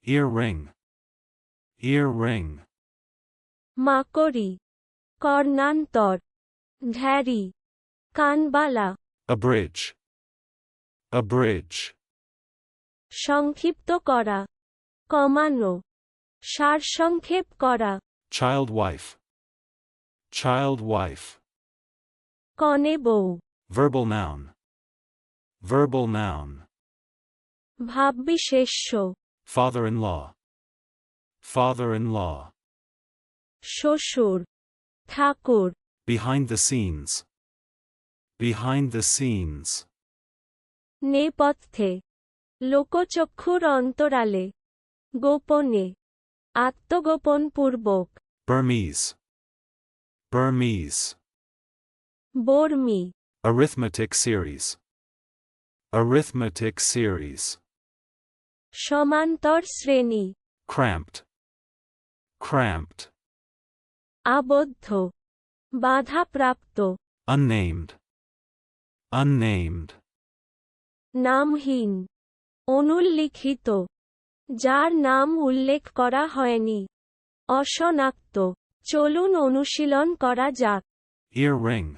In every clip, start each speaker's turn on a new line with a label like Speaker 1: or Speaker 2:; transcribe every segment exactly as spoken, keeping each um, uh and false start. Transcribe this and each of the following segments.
Speaker 1: Earring. Earring.
Speaker 2: মাকড়ি, কর্ণান্তর, ঢ্যাঁড়ি, কানবালা।
Speaker 1: A bridge. A bridge.
Speaker 2: সংক্ষিপ্ত করা, কমানো, সারসংক্ষেপ করা।
Speaker 1: Child wife. Child wife.
Speaker 2: কনে বউ।
Speaker 1: Verbal noun. Verbal noun.
Speaker 2: ভাববিশেষ্য,
Speaker 1: Father-in-law. Father-in-law.
Speaker 2: শ্বশুর, ঠাকুর।
Speaker 1: Behind the scenes. Behind the scenes.
Speaker 2: নেপথ্যে, লোকচক্ষুর অন্তরালে, গোপনে, আত্মগোপনপূর্বক।
Speaker 1: Burmese. Burmese.
Speaker 2: Barmi,
Speaker 1: Arithmetic series. Arithmetic series.
Speaker 2: সমান্তর শ্রেণী।
Speaker 1: Cramped. Cramped.
Speaker 2: আবদ্ধ, বাধাপ্রাপ্ত।
Speaker 1: Unnamed. Unnamed.
Speaker 2: নামহীন, অনুল্লিখিত, যার নাম উল্লেখ করা হয়নি। অশনাক্ত। চলুন অনুশীলন করা যাক।
Speaker 1: Earring.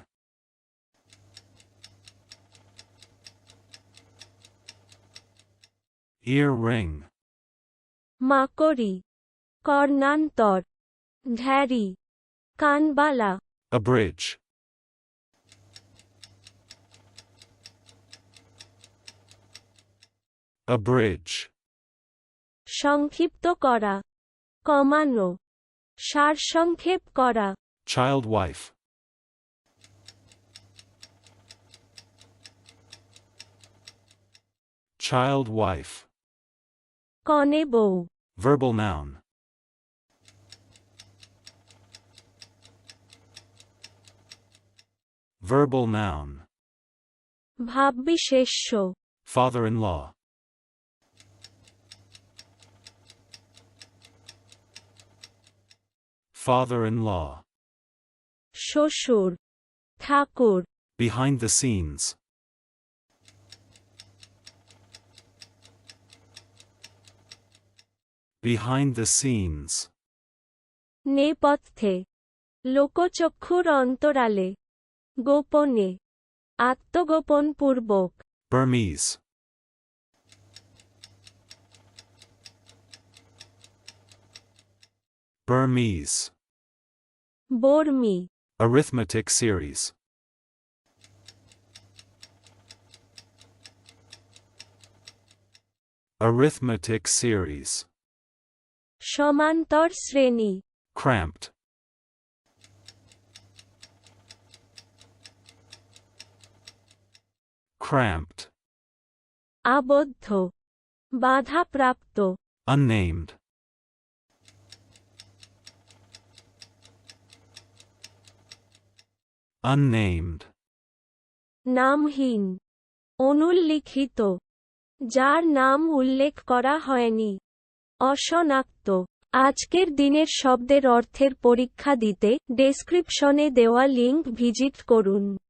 Speaker 1: Earring.
Speaker 2: মাকড়ি, কর্ণান্তর, ঢ্যাঁড়ি, কানবালা।
Speaker 1: A bridge. A bridge.
Speaker 2: সংক্ষিপ্ত করা, কমানো, সারসংক্ষেপ করা।
Speaker 1: Child wife. Child wife.
Speaker 2: কনে বউ।
Speaker 1: Verbal noun. Verbal noun.
Speaker 2: ভাববিশেষ্য,
Speaker 1: Father-in-law. Father-in-law.
Speaker 2: শ্বশুর, ঠাকুর।
Speaker 1: Behind the scenes. Behind the scenes.
Speaker 2: নেপথ্যে, লোকচক্ষুর অন্তরালে, গোপনে, আত্মগোপনপূর্বক।
Speaker 1: Burmese. Burmese.
Speaker 2: Barmi,
Speaker 1: Arithmetic series. Arithmetic series.
Speaker 2: সমান্তর শ্রেণী।
Speaker 1: Cramped. Cramped.
Speaker 2: আবদ্ধ, বাধাপ্রাপ্ত।
Speaker 1: Unnamed. Unnamed.
Speaker 2: নামহীন, অনুল্লিখিত, যার নাম উল্লেখ করা হয়নি। অশনাক্ত। আজকের দিনের শব্দের অর্থের পরীক্ষা দিতে ডেসক্রিপশনে দেওয়া লিংক ভিজিট করুন।